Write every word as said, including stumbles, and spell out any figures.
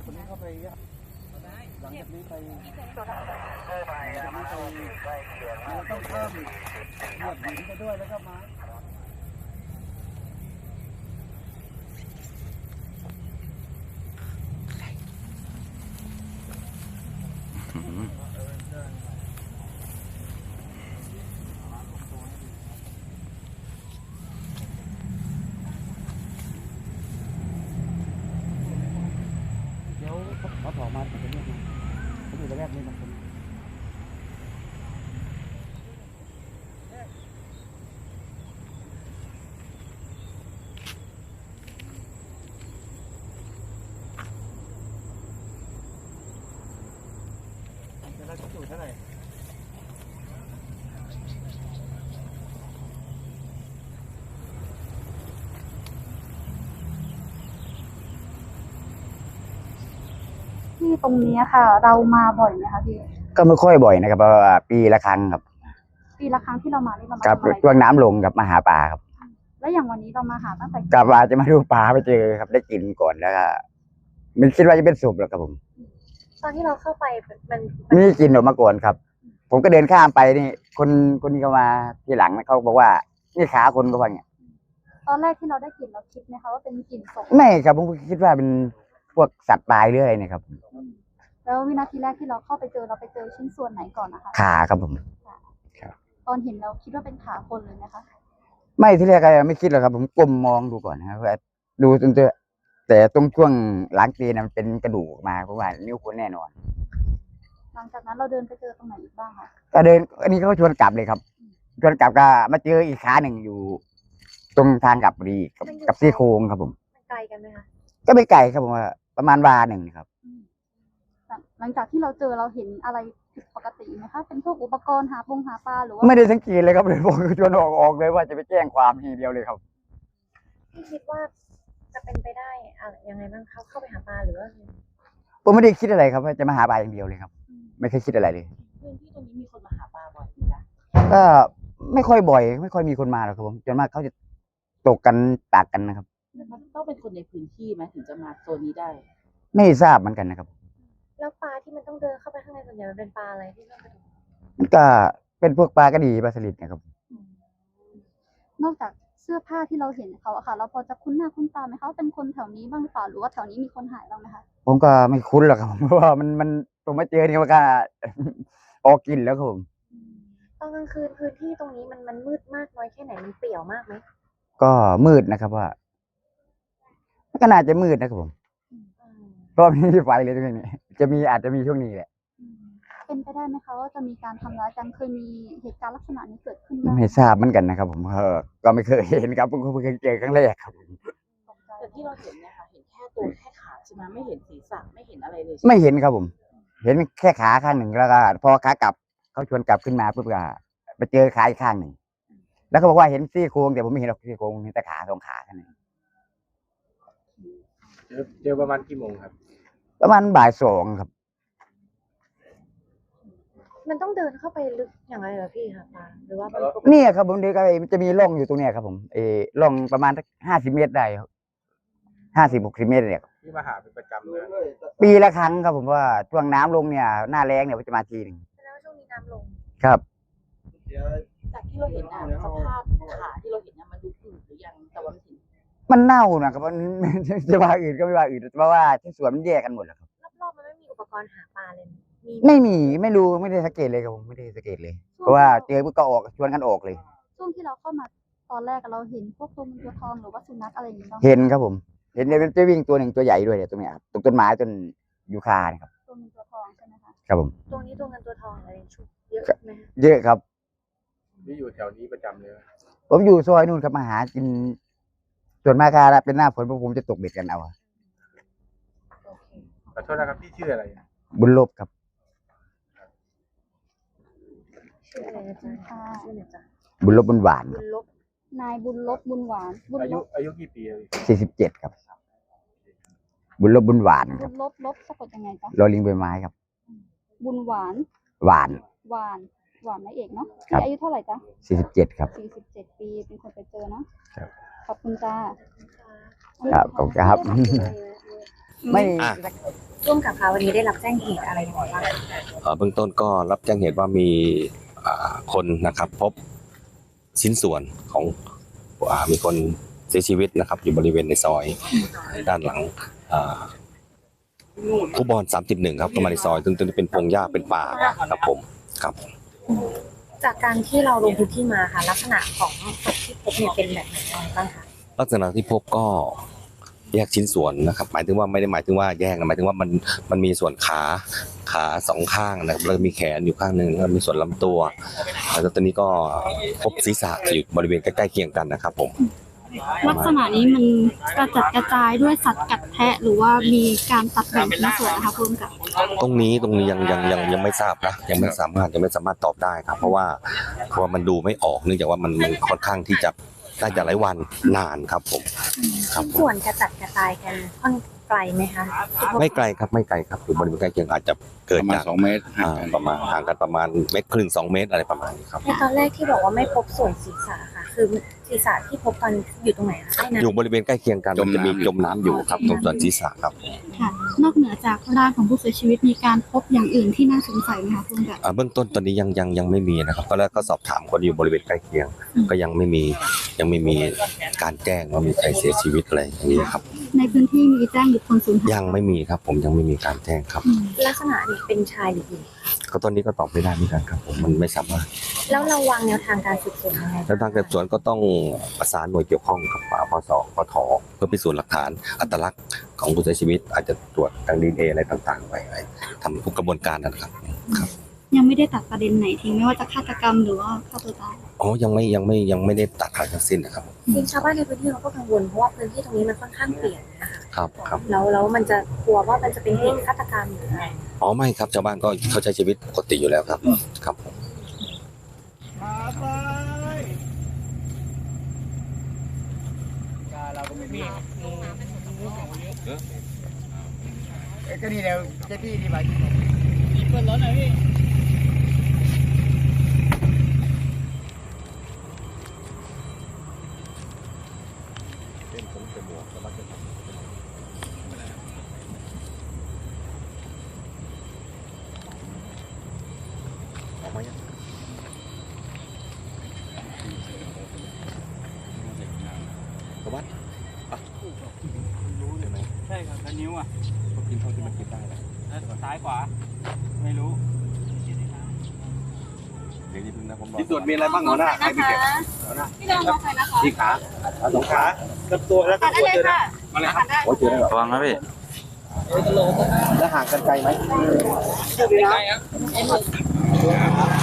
คนนี้เข้าไปหลังจากนี้ไปหลังจากนี้ไปเราต้องเพิ่มเหยียบหินไปด้วยแล้วก็ไม้เดี๋ยวเขาถอมาถึงตรงนี้เขาอยู่ระแวกนี้นะคนจะได้จุดเท่าไหร่ที่ตรงนี้ค่ะเรามาบ่อยไหมคะพี่ก็ไม่ค่อยบ่อยนะครับเพราะว่าปีละครั้งครับปีละครั้งที่เรามานี่เรามากับทำอะไรช่วงน้ำลงกับมาหาปลาครับแล้วอย่างวันนี้เรามาหาตั้งแต่กับว่าจะมาดูปลาไปเจอครับได้กินก่อนแล้วก็ไม่คิดว่าจะเป็นสุกหรอกครับผมตอนที่เราเข้าไปมันนี่กินออกมาก่อนครับผมก็เดินข้ามไปนี่คนคนนี้เขามาทีหลังเขาบอกว่านี่ขาคนก็ว่าไงตอนแรกที่เราได้กลิ่นเราคิดไหมคะว่าเป็นกลิ่นศพไม่ครับผมคิดว่าเป็นพวกสัตว์ตายหรืออะไรเนี่ยครับแล้ววินาทีแรกที่เราเข้าไปเจอเราไปเจอชิ้นส่วนไหนก่อนนะคะขาครับผมตอนเห็นเราคิดว่าเป็นขาคนเลยไหมคะไม่ที่แรกก็ไม่คิดหรอกครับผมก้มมองดูก่อนนะครับดูจนเจอแต่ตรงช่วงหลังตีนมันเป็นกระดูกมาเพราะว่านิ้วคนแน่นอนหลังจากนั้นเราเดินไปเจอตรงไหนอีกบ้างคะก็เดินอันนี้เขาชวนกลับเลยครับชวนกลับก็มาเจออีกขาหนึ่งอยู่ตรงทางกลับพอดีกับกับซี่โครงครับผมไกลกันไหมคะก็ไม่ไกลครับผมว่าประมาณวาหนึ่งครับหลังจากที่เราเจอเราเห็นอะไรผิดปกติไหมคะเป็นพวกอุปกรณ์หาปงหาปลาหรือว่าไม่ได้สังเกตเลยครับเลยผมชวนออกออกเลยว่าจะไปแจ้งความทีเดียวเลยครับพี่คิดว่าจะเป็นไปได้อะไรยังไงบ้างเขาเข้าไปหาปลาหรือว่าผมไม่ได้คิดอะไรครับว่าจะมาหาปลาอย่างเดียวเลยครับไม่เคยคิดอะไรเลยพื้นที่ตรงนี้มีคนมาหาปลาบ่อยไหมจ๊ะก็ไม่ค่อยบ่อยไม่ค่อยมีคนมาหรอกครับผมจนมากเขาจะตกกันตากกันนะครับมันต้องเป็นคนในพื้นที่ไหมถึงจะมาโซนนี้ได้ไม่ทราบเหมือนกันนะครับแล้วปลาที่มันต้องเดินเข้าไปข้างในส่วนใหญ่มันเป็นปลาอะไรที่ต้องไปดูมันก็เป็นพวกปลากระดีปลาสลิดนะครับนอกจากเสื้อผ้าที่เราเห็นเขาอะค่ะเราพอจะคุ้นหน้าคุ้นตาไหมเขาเป็นคนแถวนี้บ้างหรือเปล่าหรือว่าแถวนี้มีคนหายบ้างไหมคะผมก็ไม่คุ้นหรอกครับเพราะว่ามันมันผมมาเจอนี่มันก็ออกกินแล้วครับผมตอนกลางคืนพื้นที่ตรงนี้มันมันมืดมากน้อยแค่ไหนมันเปลี่ยวมากไหมก็มืดนะครับว่าก็น่าจะมืดนะครับผมเพราะไม่มีไฟเลยตรงนี้จะมีอาจจะมีช่วงนี้แหละเป็นไปได้ไหมคะว่าจะมีการทำร้ายกันเคยมีเหตุการณ์ลักษณะนี้เกิดขึ้นบ้างไม่ทราบเหมือนกันนะครับผมก็ไม่เคยเห็นครับเพิ่งเคยเจอครั้งแรกครับแต่ที่เราเห็นเนี่ยค่ะเห็นแค่ตัวแค่ขาใช่ไหมไม่เห็นศีรษะไม่เห็นอะไรเลยไม่เห็นครับผมเห็นแค่ขาข้างหนึ่งแล้วก็พอขากลับเขาชวนกลับขึ้นมาปุ๊บก็ไปเจอขาอีกข้างหนึ่งแล้วเขาบอกว่าเห็นซี่โครงแต่ผมไม่เห็นหรอกซี่โครงเห็นแต่ขาสองขาแค่นั้นเจอประมาณกี่โมงครับประมาณบ่ายสองครับมันต้องเดินเข้าไปลึกอย่างไรเหรอพี่คะปาหรือว่าเนี่ยครับผมเด็กมันจะมีร่องอยู่ตรงเนี้ยครับผมเออร่องประมาณห้าสิบเมตรได้ครับห้าสิบหกสิบเมตรเนี่ยที่มาหาเป็นประจำเลยปีละครั้งครับผมว่าช่วงน้ำลงเนี่ยหน้าแรงเนี่ยจะมาทีหนึ่งแล้วช่วงนี้น้ำลงครับจากที่เราเห็นอ่ะสภาพขาที่เราเห็นเนี่ยมันดูอืดหรือยังแต่ว่ามันมันเน่านะครับมันจะว่าอื่นก็ไม่ว่าอื่นเพราะว่าที่สวนมันแยกกันหมดแล้วครับรอบๆมันไม่มีอุปกรณ์หาปลาเลยไม่มีไม่รู้ไม่ได้สังเกตเลยครับผมไม่ได้สังเกตเลยเพราะว่าเจอปุ๊บก็ออกชวนกันออกเลยช่วงที่เราเข้ามาตอนแรกเราเห็นพวกตัวเงินตัวทองหรือว่าสุนัขอะไรอย่างเงี้ยเห็นครับผมเห็นเลยมันจะวิ่งตัวหนึ่งตัวใหญ่ด้วยเนี่ยตรงเนี้ยครับตรงต้นไม้ต้นยูคาเนี่ยครับตัวเงินตัวทองใช่ไหมคะครับผมตรงนี้ตัวเงินตัวทองอะไรชุดเยอะไหมเยอะครับนี่อยู่แถวนี้ประจำเลยผมอยู่ซอยนู่นครับมาหากินส่วนมากครับเป็นหน้าฝนพวกผมจะตกเบ็ดกันเอาขอโทษนะครับพี่ชื่ออะไรบุญลบครับชื่ออะไรนะจ๊ะชื่ออะไรจ๊ะบุญลบบุญหวานบุญลบนายบุญลบบุญหวานอายุอายุกี่ปีสี่สิบเจ็ดครับบุญลบบุญหวานบุญลบลบสะกดยังไงจ๊ะรอลิงใบไม้ครับบุญหวานหวานหวานหวานไม่เอกเนาะพี่อายุเท่าไหร่จ๊ะสี่สิบเจ็ดครับสี่สิบเจ็ดปีเป็นคนไปเจอเนาะขอบคุณจ้าครับขอบคุณครับไม่ร่วมกับคะวันนี้ได้รับแจ้งเหตุอะไรยังไงบ้างเอ่อเบื้องต้นก็รับแจ้งเหตุว่ามีอ่าคนนะครับพบชิ้นส่วนของอ่ามีคนเสียชีวิตนะครับ อยู่บริเวณในซอยด้านหลังอ่าคูบอลสามสิบเอ็ดครับเข้ามาในซอยซึ่งตรงนี้เป็นพงหญ้าเป็นป่าครับผมครับจากการที่เราลงพื้นที่มาค่ะลักษณะของศพที่พบเนี่ยเป็นแบบไหนบ้างคะลักษณะที่พบก็แยกชิ้นส่วนนะครับ หมายถึงว่าไม่ได้หมายถึงว่าแยกนะหมายถึงว่ามันมันมีส่วนขาขาสองข้างนะครับแล้วมีแขนอยู่ข้างหนึ่งแล้วมีส่วนลำตัวแล้วตอนนี้ก็พบศีรษะอยู่บริเวณใกล้ๆเคียงกันนะครับผมลักษณะนี้มันกระจัดกระจายด้วยสัตว์กัดแทะหรือว่ามีการตัดแบ่งชิ้นส่วนนะคะคุณกับตรงนี้ตรงนี้ยังยังยังยังไม่ทราบนะยังไม่สามารถยังไม่สามารถตอบได้ครับ เพราะว่าเพราะว่ามันดูไม่ออกเนื่องจากว่ามันมันค่อนข้างที่จะน่าจะหลายวันนานครับผมครับผมส่วนกระจัดกระจายกันค่อนไกลไหมคะไม่ไกลครับไม่ไกลครับอยู่บริเวณใกล้เคียงอาจจะเกิดประมาณจากสองเมตรห่างอ่ากันประมาณห่างกันประมาณเมตรครึ่งสองเมตรอะไรประมาณนี้ครับในตอนแรกที่บอกว่าไม่พบส่วนศีรษะค่ะ คือศีรษะที่พบกันอยู่ตรงไหนคะใต้น้ำอยู่บริเวณใกล้เคียงกันมันจะมีจมน้ำอยู่ครับตรงส่วนศีรษะครับค่ะ นอกเหนือจากร่างของผู้เสียชีวิตมีการพบอย่างอื่นที่น่าสงสัยไหมคะคุณกับอ่าเบื้องต้นตอนนี้ยังยังยังไม่มีนะครับตอนแรกก็สอบถามคนอยู่บริเวณใกล้เคียงอืมก็ยังไม่มียังไม่มีการแจ้งว่ามีใครเสียชีวิตอะไรอย่างนี้ครับในพื้นที่มีแจ้งบุคคลสูญหายยังไม่มีครับ ผมยังไม่มีการแจ้งครับอืมลักษณะนี้เป็นชายหรือหญิงก็ตอนนี้ก็ตอบไม่ได้เหมือนกันครับ ผมมันไม่สามารถแล้วเราวางแนวทางการสืบสวนยังไงแล้วทางสืบสวนก็ต้องประสานหน่วยเกี่ยวข้องกับปปสปทเพื่อพิสูจน์หลักฐานอัตลักษณ์ของผู้เสียชีวิต อาจจะตรวจทางดีเอ็นเออะไรต่างๆไปทำทุกกระบวนการนะครับครับยังไม่ได้ตัดประเด็นไหนทิ้งไม่ว่าจะฆาตกรรมหรือว่าฆ่าตัวตายอ๋อยังไม่ยังไม่ยังไม่ได้ตัดขาดทั้งสิ้นนะครับจริงชาวบ้านในพื้นที่เขาก็กังวลเพราะว่าพื้นที่ตรงนี้มันค่อนข้างเปลี่ยนนะคะครับครับแล้วแล้วมันจะกลัวว่ามันจะเป็นเหตุฆาตกรรมหรืออะไรอ๋อไม่ครับชาวบ้านก็เขาใช้ชีวิตปกติอยู่แล้วครับครับผมมาไปเราก็ไม่มีเอ้ยก็นี่เดี๋ยวเจ้าที่ดีไปเปิดรถหน่อยพี่ใช่ครับแล้วนิ้วอ่ะก็กินเท่าที่มันกินได้แล้วซ้ายขวาไม่รู้เดี๋ยวนี้พึ่งนะผมที่ตรวจมีอะไรบ้างหัวหน้าใครไปเก็บหัวหน้าพี่ดองใครนะคะที่ขาสองขาลำตัวแล้วก็ตัวเจอมาเลยครับโอ้เจอได้หรอระวังนะพี่แล้วห่างกันไกลไหมไกลครับ